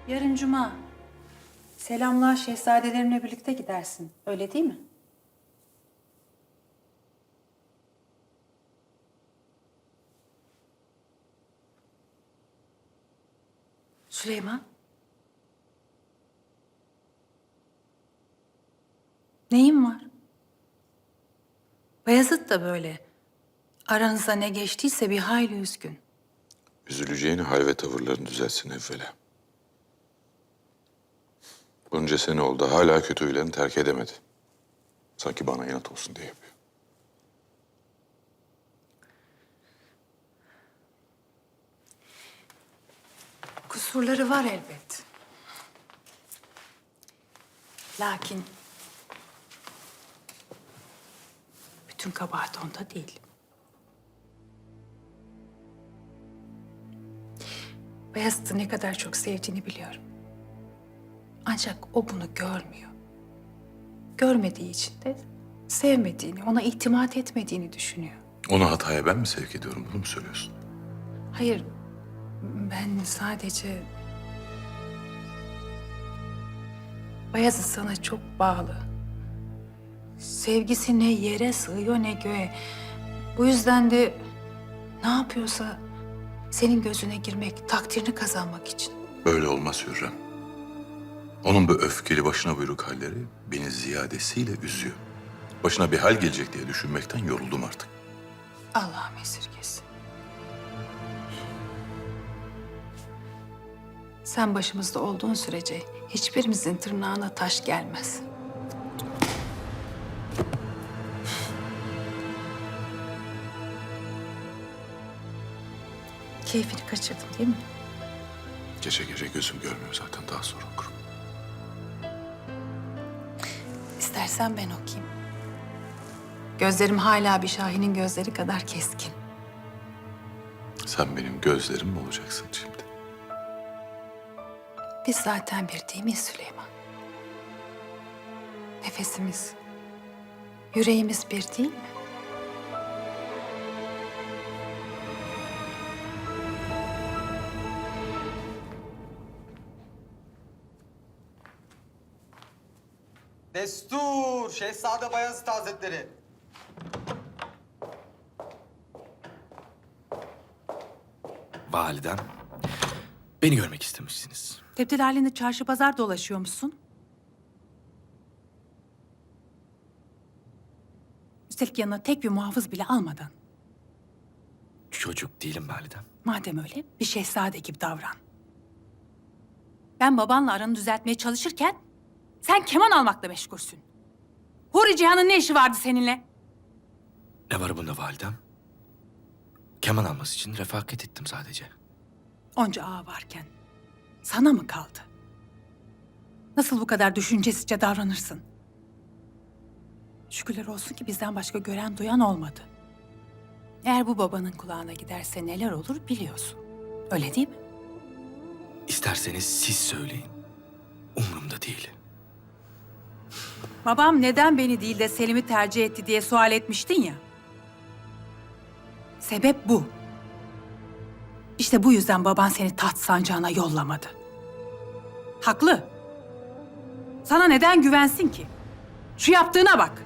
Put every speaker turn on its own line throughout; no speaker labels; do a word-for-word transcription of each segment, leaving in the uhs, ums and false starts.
Yarın cuma. Selamlar şehzadelerimle birlikte gidersin. Öyle değil mi? Süleyman. Neyin var? Bayezid da böyle. Aranızda ne geçtiyse bir hayli üzgün.
Üzüleceğini hal ve tavırlarını düzeltsin evvela. Bunca sene oldu hala kötü huylarını terk edemedi. Sanki bana inat olsun diye yapıyor.
Kusurları var elbet. Lakin bütün kabahat onda değil. Beyazıt'ı ne kadar çok sevdiğini biliyorum. Ancak o bunu görmüyor. Görmediği için de sevmediğini, ona itimat etmediğini düşünüyor.
Onu hataya ben mi sevk ediyorum? Bunu mu söylüyorsun?
Hayır, ben sadece... Bayezid sana çok bağlı. Sevgisi ne yere sığıyor ne göğe. Bu yüzden de ne yapıyorsa senin gözüne girmek, takdirini kazanmak için.
Böyle olmaz Hürrem. Onun bu öfkeli başına buyruk halleri beni ziyadesiyle üzüyor. Başına bir hal gelecek diye düşünmekten yoruldum artık.
Allah'ım esirgesin. Sen başımızda olduğun sürece hiçbirimizin tırnağına taş gelmez. Keyfini kaçırdın değil mi?
Gece gece gözüm görmüyor zaten, daha sonra okurum.
İstersen ben okuyayım. Gözlerim hala bir şahinin gözleri kadar keskin.
Sen benim gözlerim mi olacaksın şimdi?
Biz zaten bir değil miyiz Süleyman? Nefesimiz, yüreğimiz bir değil mi?
Destur! Şehzade Bayezid Hazretleri.
Validem, beni görmek istemişsiniz.
Tebdil halinde çarşı pazar dolaşıyor musun? Üstelik yanına tek bir muhafız bile almadan.
Çocuk değilim validem.
Madem öyle bir şehzade gibi davran. Ben babanla aranı düzeltmeye çalışırken sen keman almakla meşgulsün. Huri Cihan'ın ne işi vardı seninle?
Ne var bunda validem? Keman alması için refakat ettim sadece.
Onca ağa varken sana mı kaldı? Nasıl bu kadar düşüncesizce davranırsın? Şükürler olsun ki bizden başka gören duyan olmadı. Eğer bu babanın kulağına giderse neler olur biliyorsun. Öyle değil mi?
İsterseniz siz söyleyin. Umurumda değil.
Babam neden beni değil de Selim'i tercih etti diye sual etmiştin ya. Sebep bu. İşte bu yüzden baban seni taht sancağına yollamadı. Haklı. Sana neden güvensin ki? Şu yaptığına bak.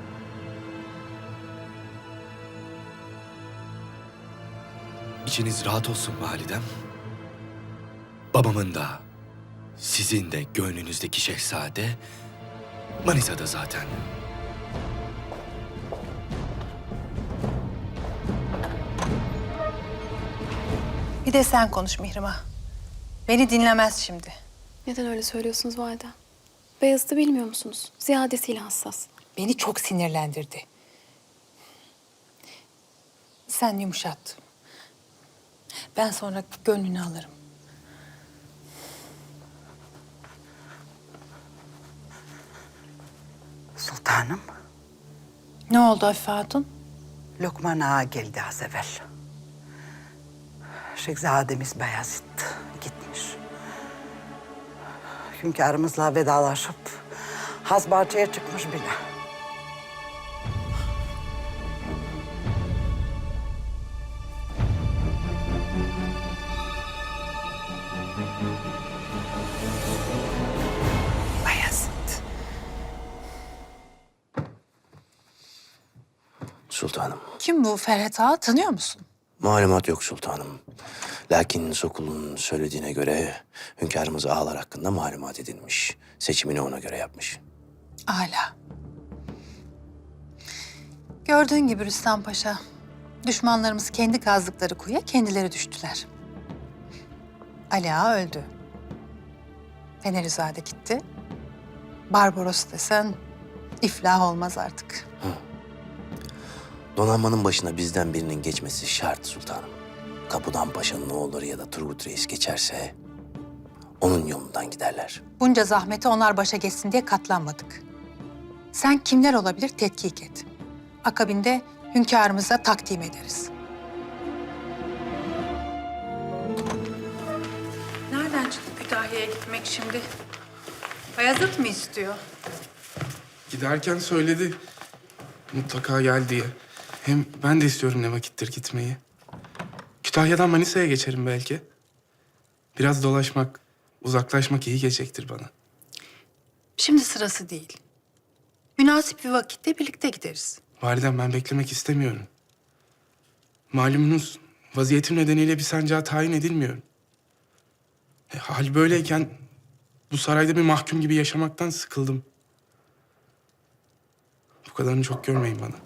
İçiniz rahat olsun validem. Babamın da, sizin de gönlünüzdeki şehzade Manisa'da zaten.
Bir de sen konuş Mihrimah. Beni dinlemez şimdi.
Neden öyle söylüyorsunuz valide? Beyazıt'ı bilmiyor musunuz? Ziyadesiyle hassas.
Beni çok sinirlendirdi. Sen yumuşat. Ben sonra gönlünü alırım.
Sultanım,
Ne oldu Afife Hatun?
Lokman Ağa geldi az evvel. Şehzademiz Bayezid gitmiş. Hünkârımızla vedalaşıp Hazbahçe'ye çıkmış bile.
Sultanım.
Kim bu Ferhat Ağa, tanıyor musun?
Malumat yok sultanım. Lakin Sokul'un söylediğine göre hünkârımız ağalar hakkında malumat edinmiş. Seçimini ona göre yapmış.
Âlâ. Gördüğün gibi Rüstem Paşa, düşmanlarımız kendi kazdıkları kuyuya kendileri düştüler. Ali Ağa öldü. Fenerizade gitti. Barbaros desen iflah olmaz artık.
Donanmanın başına bizden birinin geçmesi şart sultanım. Kapıdan Paşa'nın oğulları ya da Turgut Reis geçerse onun yolundan giderler.
Bunca zahmete onlar başa geçsin diye katlanmadık. Sen kimler olabilir tetkik et. Akabinde hünkârımıza takdim ederiz. Nereden çıktı Kütahya'ya gitmek şimdi? Bayezid mi istiyor?
Giderken söyledi mutlaka gel diye. Hem ben de istiyorum ne vakittir gitmeyi. Kütahya'dan Manisa'ya geçerim belki. Biraz dolaşmak, uzaklaşmak iyi gelecektir bana.
Şimdi sırası değil. Münasip bir vakitte birlikte gideriz.
Validem ben beklemek istemiyorum. Malumunuz vaziyetim nedeniyle bir sancağa tayin edilmiyorum. E, hal böyleyken bu sarayda bir mahkum gibi yaşamaktan sıkıldım. Bu kadarını çok görmeyin bana.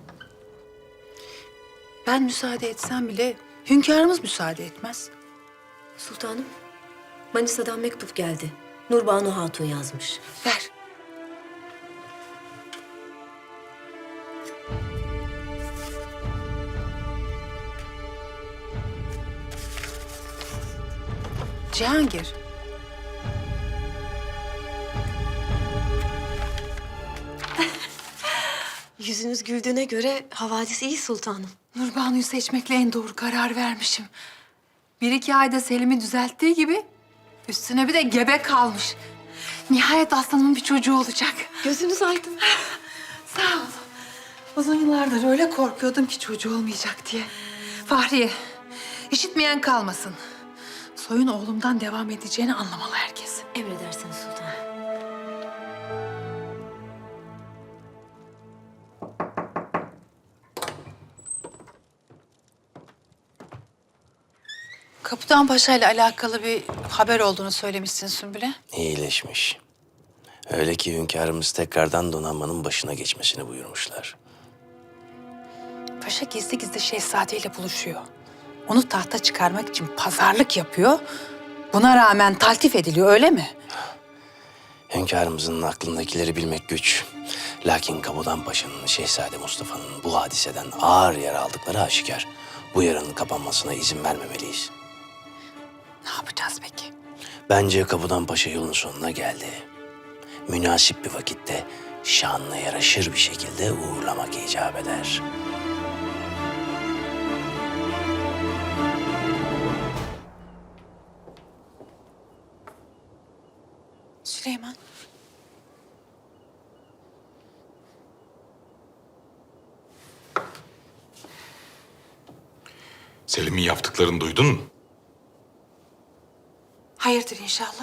Ben müsaade etsem bile hünkârımız müsaade etmez.
Sultanım, Manisa'dan mektup geldi. Nurbanu Hatun yazmış.
Ver. Cihangir.
Yüzünüz güldüğüne göre havadis iyi sultanım.
Nurbanu'yu seçmekle en doğru karar vermişim. Bir iki ayda Selim'i düzelttiği gibi üstüne bir de gebe kalmış. Nihayet aslanımın bir çocuğu olacak.
Gözünüz aydın.
Sağ ol. Uzun yıllardır öyle korkuyordum ki çocuğu olmayacak diye. Fahriye, işitmeyen kalmasın. Soyun oğlumdan devam edeceğini anlamalı herkes.
Emredersiniz sultanım.
Kapıdan Paşa ile alakalı bir haber olduğunu söylemişsin Sümbül'e.
İyileşmiş. Öyle ki hünkârımız tekrardan donanmanın başına geçmesini buyurmuşlar.
Paşa gizli gizli şehzadeyle buluşuyor. Onu tahta çıkarmak için pazarlık yapıyor. Buna rağmen taltif ediliyor, öyle mi?
Hünkârımızın aklındakileri bilmek güç. Lakin Kamudan Paşa'nın, Şehzade Mustafa'nın bu hadiseden ağır yara aldıkları aşikar. Bu yaranın kapanmasına izin vermemeliyiz.
Ne yapacağız peki?
Bence Kamudan Paşa yolun sonuna geldi. Münasip bir vakitte şanına yaraşır bir şekilde uğurlamak icap eder.
Süleyman.
Selim'in yaptıklarını duydun mu?
Hayırdır inşallah.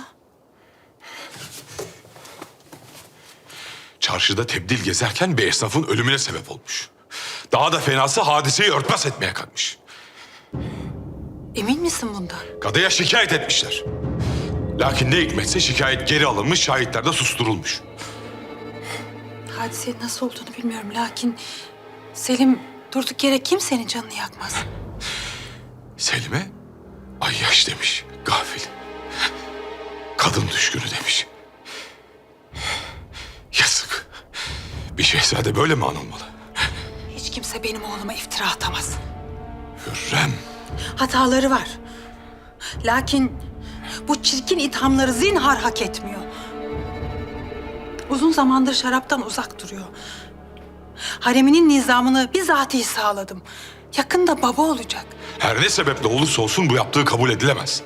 Çarşıda tebdil gezerken bir esnafın ölümüne sebep olmuş. Daha da fenası hadiseyi örtbas etmeye kalkmış.
Emin misin bundan?
Kadıya şikayet etmişler. Lakin ne hikmetse şikayet geri alınmış, şahitler de susturulmuş.
Hadisenin nasıl olduğunu bilmiyorum lakin Selim durduk yere kimsenin canını yakmaz.
Selim'e ayyaş demiş, gafil. Kadın düşkünü demiş. Yazık. Bir şehzade böyle mi anılmalı?
Hiç kimse benim oğluma iftira atamaz.
Hürrem.
Hataları var. Lakin bu çirkin ithamları zinhar hak etmiyor. Uzun zamandır şaraptan uzak duruyor. Hareminin nizamını bizatihi sağladım. Yakında baba olacak.
Her ne sebeple olursa olsun bu yaptığı kabul edilemez.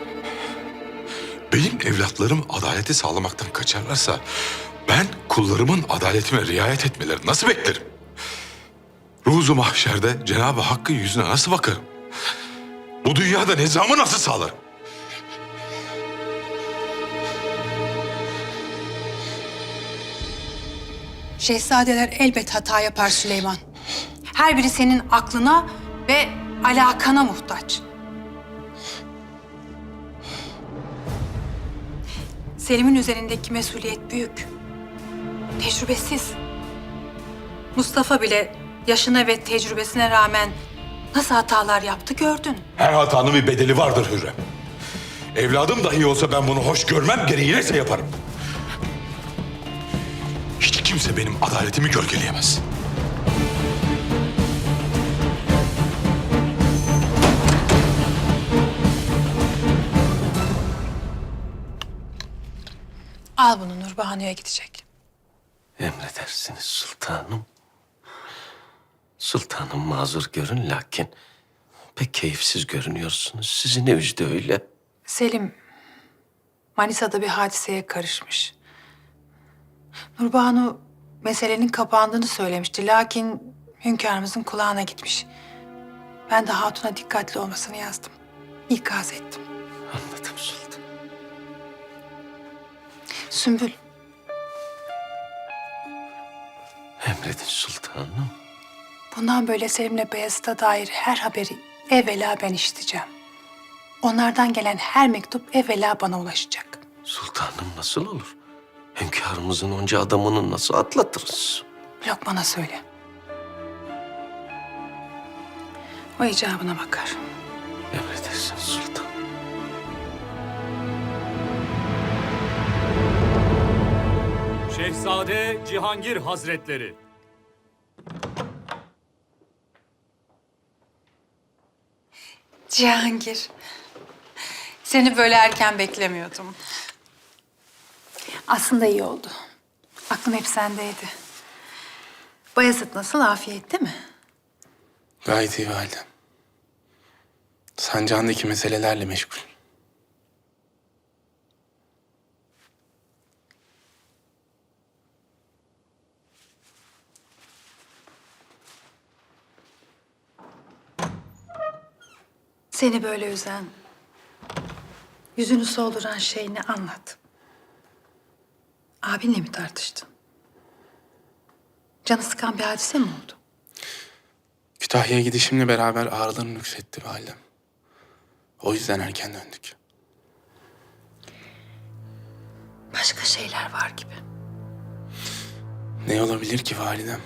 Benim evlatlarım adaleti sağlamaktan kaçarlarsa ben kullarımın adaletime riayet etmelerini nasıl beklerim? Ruzu mahşerde Cenab-ı Hakk'ın yüzüne nasıl bakarım? Bu dünyada nizamı nasıl sağlarım?
Şehzadeler elbet hata yapar Süleyman. Her biri senin aklına ve alakana muhtaç. Selim'in üzerindeki mesuliyet büyük. Tecrübesiz. Mustafa bile yaşına ve tecrübesine rağmen nasıl hatalar yaptı gördün.
Her hatanın bir bedeli vardır Hürrem. Evladım dahi olsa ben bunu hoş görmem, gereği neyse yaparım. Hiç kimse benim adaletimi gölgeleyemez.
Al bunu, Nurbahane'ye gidecek.
Emredersiniz sultanım. Sultanım mazur görün lakin pek keyifsiz görünüyorsunuz. Sizi ne üzdü öyle?
Selim, Manisa'da bir hadiseye karışmış. Nurbanu meselenin kapandığını söylemişti. Lakin hünkârımızın kulağına gitmiş. Ben de hatuna dikkatli olmasını yazdım. İkaz ettim.
Anladım sultan.
Sümbül,
Emredin sultanım.
bundan böyle Selim'le Beyazıt'a dair her haberi evvela ben işiteceğim. Onlardan gelen her mektup evvela bana ulaşacak.
Sultanım nasıl olur? Hünkârımızın onca adamını nasıl atlatırız?
Lokman'a söyle. O icabına bakar.
Emredersiniz sultan.
Şehzade Cihangir Hazretleri.
Cihangir, seni böyle erken beklemiyordum. Aslında iyi oldu. Aklım hep sendeydi. Bayezid nasıl, afiyette mi?
Gayet iyi validem. Sancağındaki meselelerle meşgul.
Seni böyle üzen, yüzünü solduran şey ne, anlat. Abinle mi tartıştın? Canı sıkan bir hadise mi oldu?
Kütahya'ya gidişimle beraber ağrılarım nüksetti validem. O yüzden erken döndük.
Başka şeyler var gibi.
Ne olabilir ki validem?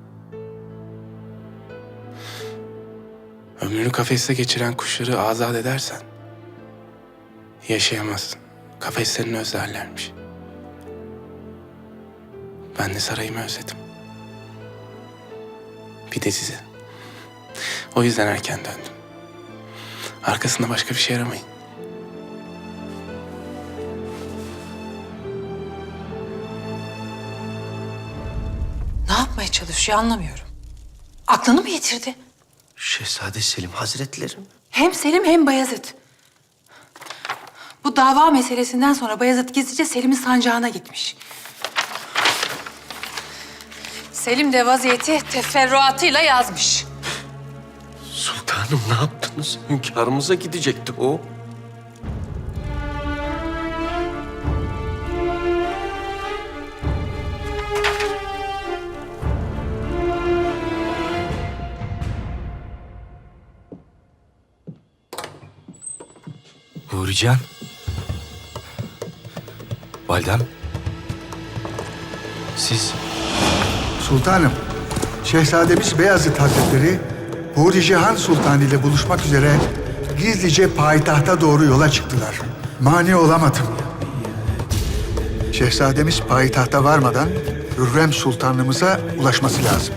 Ömrünü kafeste geçiren kuşları azat edersen yaşayamazsın. Kafeslerini özlerlermiş. Ben de sarayımı özledim. Bir de sizi. O yüzden erken döndüm. Arkasında başka bir şey aramayın.
Ne yapmaya çalışıyor anlamıyorum. Aklını mı yitirdi?
Şehzade Selim Hazretleri mi?
Hem Selim hem Bayezid. Bu dava meselesinden sonra Bayezid gizlice Selim'in sancağına gitmiş. Selim de vaziyeti teferruatıyla yazmış.
Sultanım ne yaptınız? Hünkârımıza gidecekti o.
Nurican. Validem. Siz...
Sultanım, Şehzademiz Beyazıt Hazretleri Huri Cihan Sultan ile buluşmak üzere gizlice payitahta doğru yola çıktılar. Mani olamadım. Şehzademiz payitahta varmadan Hürrem Sultanımıza ulaşması lazım.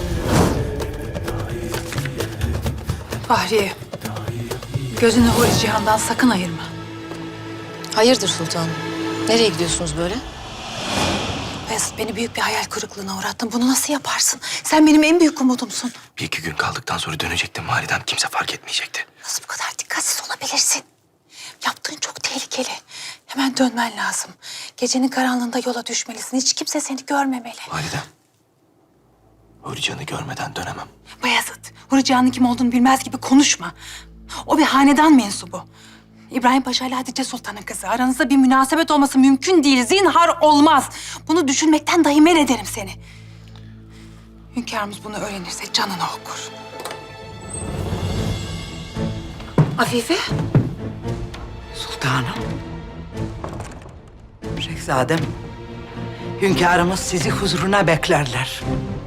Fahriye, gözünü Huri Cihan'dan sakın ayırma.
Hayırdır sultanım? Nereye gidiyorsunuz böyle?
Bayezid, beni büyük bir hayal kırıklığına uğrattın. Bunu nasıl yaparsın? Sen benim en büyük umudumsun.
Bir iki gün kaldıktan sonra dönecektim validem. Kimse fark etmeyecekti.
Nasıl bu kadar dikkatsiz olabilirsin? Yaptığın çok tehlikeli. Hemen dönmen lazım. Gecenin karanlığında yola düşmelisin. Hiç kimse seni görmemeli.
Validem. Hürrican'ı görmeden dönemem.
Bayezid, Huri Cihan'ın kim olduğunu bilmez gibi konuşma. O bir hanedan mensubu. İbrahim Paşa ile Hatice Sultan'ın kızı. Aranızda bir münasebet olması mümkün değil. Zinhar olmaz. Bunu düşünmekten dahi men ederim seni. Hünkârımız bunu öğrenirse canını okur. Afife?
Sultanım. Şehzadem, hünkârımız sizi huzuruna beklerler.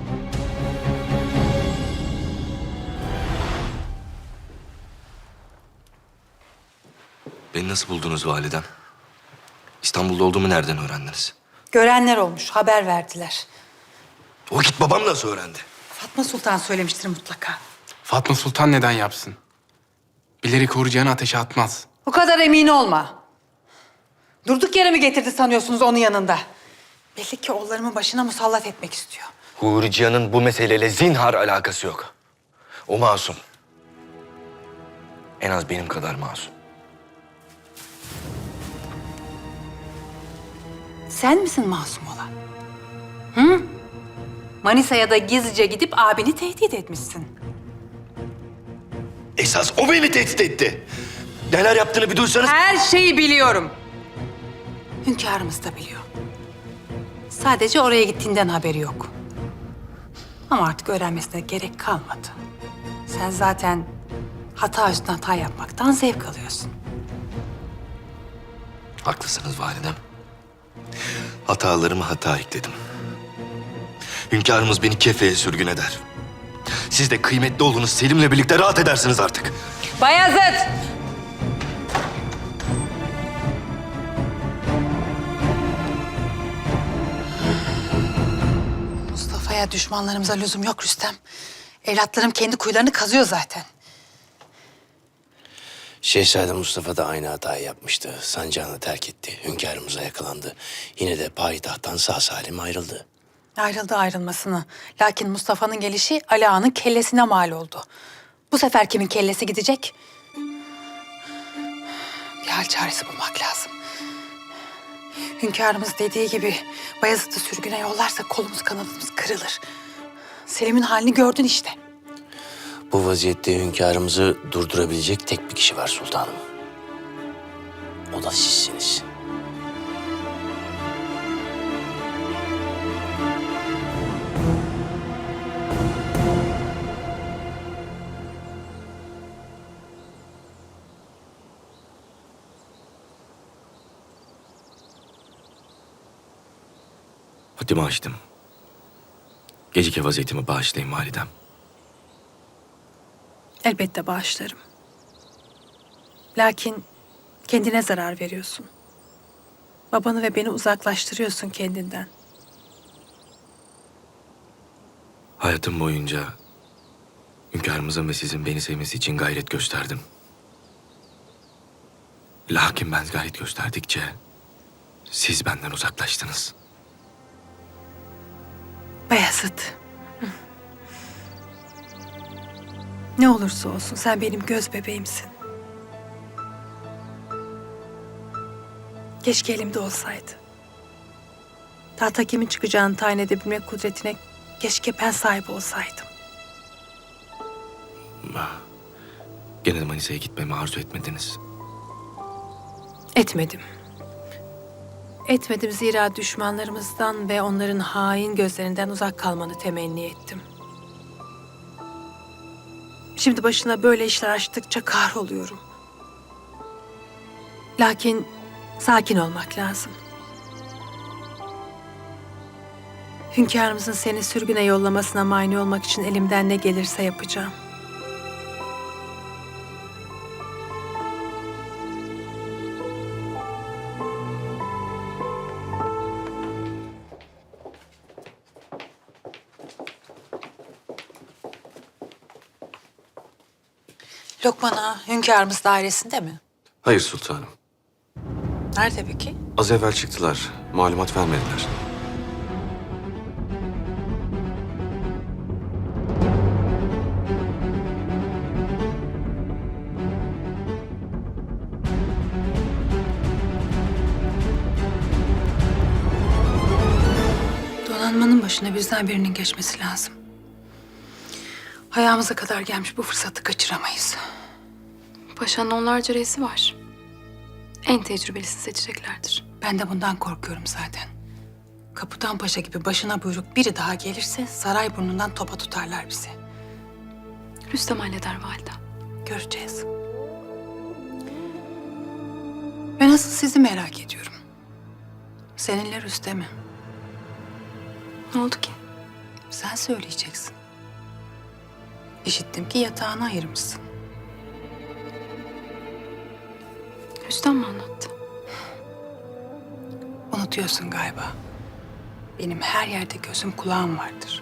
Beni nasıl buldunuz validem? İstanbul'da olduğumu nereden öğrendiniz?
Görenler olmuş, haber verdiler.
O vakit babam nasıl öğrendi?
Fatma Sultan söylemiştir mutlaka.
Fatma Sultan neden yapsın? Bilerek Huri Cihan'ı ateşe atmaz.
Bu kadar emin olma. Durduk yere mi getirdi sanıyorsunuz onun yanında? Belli ki oğullarımın başına musallat etmek istiyor.
Huri Cihan'ın bu meseleyle zinhar alakası yok. O masum. En az benim kadar masum.
Sen misin masum olan? Hı? Manisa'ya da gizlice gidip abini tehdit etmişsin.
Esas o beni tehdit etti. Neler yaptığını bir duysanız...
Her şeyi biliyorum. Hünkârımız da biliyor. Sadece oraya gittiğinden haberi yok. Ama artık öğrenmesine gerek kalmadı. Sen zaten hata üstüne hata yapmaktan zevk alıyorsun.
Haklısınız validem. Hatalarımı hata ekledim. Hünkârımız beni kefeye sürgün eder. Siz de kıymetli oğlunuz Selim'le birlikte rahat edersiniz artık.
Bayezid! Mustafa'ya, düşmanlarımıza lüzum yok Rüstem. Evlatlarım kendi kuyularını kazıyor zaten.
Şehzade Mustafa da aynı hatayı yapmıştı. Sancağını terk etti. Hünkârımıza yakalandı. Yine de payitahttan sağ salim ayrıldı.
Ayrıldı ayrılmasını. Lakin Mustafa'nın gelişi Ali Ağa'nın kellesine mal oldu. Bu sefer kimin kellesi gidecek? Bir hal çaresi bulmak lazım. Hünkârımız dediği gibi Bayezid'i sürgüne yollarsa kolumuz kanadımız kırılır. Selim'in halini gördün işte.
Bu vaziyette hünkârımızı durdurabilecek tek bir kişi var sultanım. O da sizsiniz.
Haddimi aştım. Gecike vaziyetimi bağışlayın validem.
Elbette bağışlarım. Lakin kendine zarar veriyorsun. Babanı ve beni uzaklaştırıyorsun kendinden.
Hayatım boyunca hünkârımızın ve sizin beni sevmesi için gayret gösterdim. Lakin ben gayret gösterdikçe siz benden uzaklaştınız.
Bayezid. Ne olursa olsun sen benim göz bebeğimsin. Keşke elimde olsaydı. Tahta kimin çıkacağını tayin edebilmek kudretine keşke ben sahip olsaydım.
Gene de Manisa'ya gitmemi arzu etmediniz.
Etmedim. Etmedim zira düşmanlarımızdan ve onların hain gözlerinden uzak kalmanı temenni ettim. Şimdi başına böyle işler açtıkça kahroluyorum. Lakin sakin olmak lazım. Hünkârımızın seni sürgüne yollamasına mani olmak için elimden ne gelirse yapacağım. Lokman Ağa, hünkârımız dairesinde mi?
Hayır sultanım.
Nerede peki?
Az evvel çıktılar. Malumat vermediler.
Donanmanın başına bizden birinin geçmesi lazım. Ayağımıza kadar gelmiş bu fırsatı kaçıramayız.
Paşa'nın onlarca reisi var. En tecrübelisi seçeceklerdir.
Ben de bundan korkuyorum zaten. Kapitan Paşa gibi başına buyruk biri daha gelirse saray burnundan topa tutarlar bizi.
Rüstem halleder valide.
Göreceğiz. Ben asıl sizi merak ediyorum. Seninle Rüstem'i.
Ne oldu ki?
Sen söyleyeceksin. İşittim ki yatağını ayırmışsın.
Rüstem mi anlattı?
Unutuyorsun galiba. Benim her yerde gözüm kulağım vardır.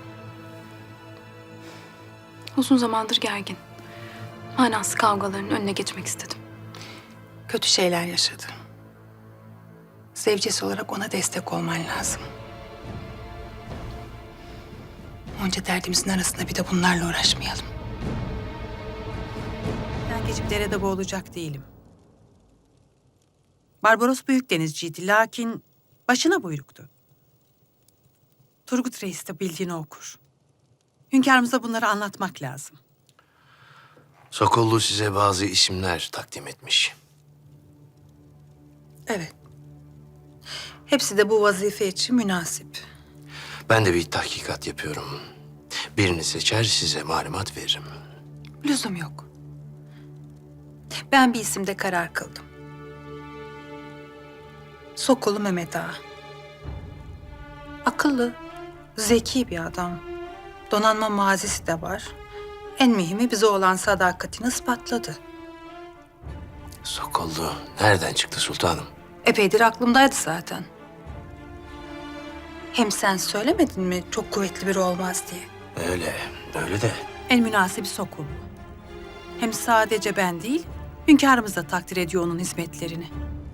Uzun zamandır gergin. Manasız kavgaların önüne geçmek istedim.
Kötü şeyler yaşadı. Zevcesi olarak ona destek olman lazım. Onca derdimizin arasında bir de bunlarla uğraşmayalım.
Ben geçip derede boğulacak değilim. Barbaros büyük denizciydi lakin başına buyruktu. Turgut Reis de bildiğini okur. Hünkârımıza bunları anlatmak lazım.
Sokollu size bazı isimler takdim etmiş.
Evet. Hepsi de bu vazife için münasip.
Ben de bir tahkikat yapıyorum. Birini seçer size malumat veririm.
Lüzum yok. Ben bir isimde karar kıldım. Sokolu Mehmet Ağa. Akıllı, zeki bir adam. Donanma mazisi de var. En mühimi bize olan sadakatini ispatladı.
Sokollu nereden çıktı sultanım?
Epeydir aklımdaydı zaten. Hem sen söylemedin mi çok kuvvetli biri olmaz diye?
Öyle, öyle de.
En münasibi Sokollu. Hem sadece ben değil, hünkârımız da takdir ediyor onun hizmetlerini.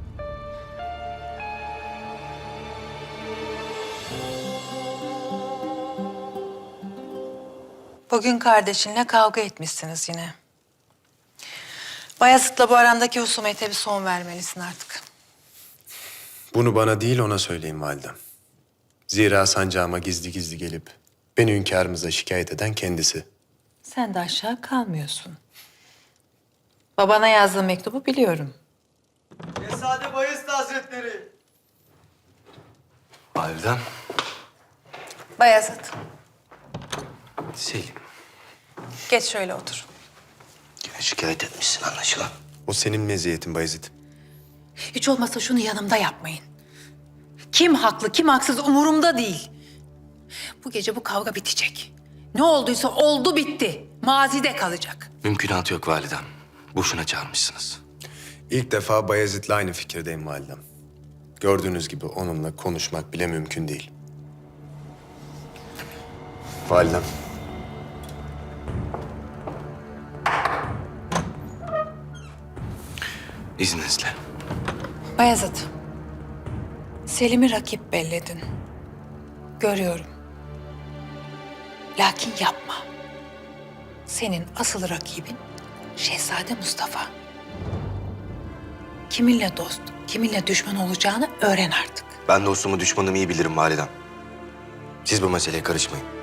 Bugün kardeşinle kavga etmişsiniz yine. Bayezid'le bu arandaki husumete bir son vermelisin artık.
Bunu bana değil ona söyleyin validem. Zira sancağıma gizli gizli gelip beni hünkârımıza şikayet eden kendisi.
Sen de aşağı kalmıyorsun. Babana yazdığım mektubu biliyorum.
Şehzade Bayezid Hazretleri.
Validem.
Bayezid,
Selim.
geç şöyle otur.
Yine şikayet etmişsin anlaşılan.
O senin meziyetin Bayezid.
Hiç olmazsa şunu yanımda yapmayın. Kim haklı, kim haksız umurumda değil. Bu gece bu kavga bitecek. Ne olduysa oldu bitti. Mazide kalacak.
Mümkünatı yok validem. Boşuna çağırmışsınız.
İlk defa Bayezid'le aynı fikirdeyim validem. Gördüğünüz gibi onunla konuşmak bile mümkün değil. Validem.
İzninizle.
Bayezid, Selim'i rakip belledin. Görüyorum. Lakin yapma. Senin asıl rakibin Şehzade Mustafa. Kiminle dost, kiminle düşman olacağını öğren artık.
Ben dostumu düşmanımı iyi bilirim validem. Siz bu meseleye karışmayın.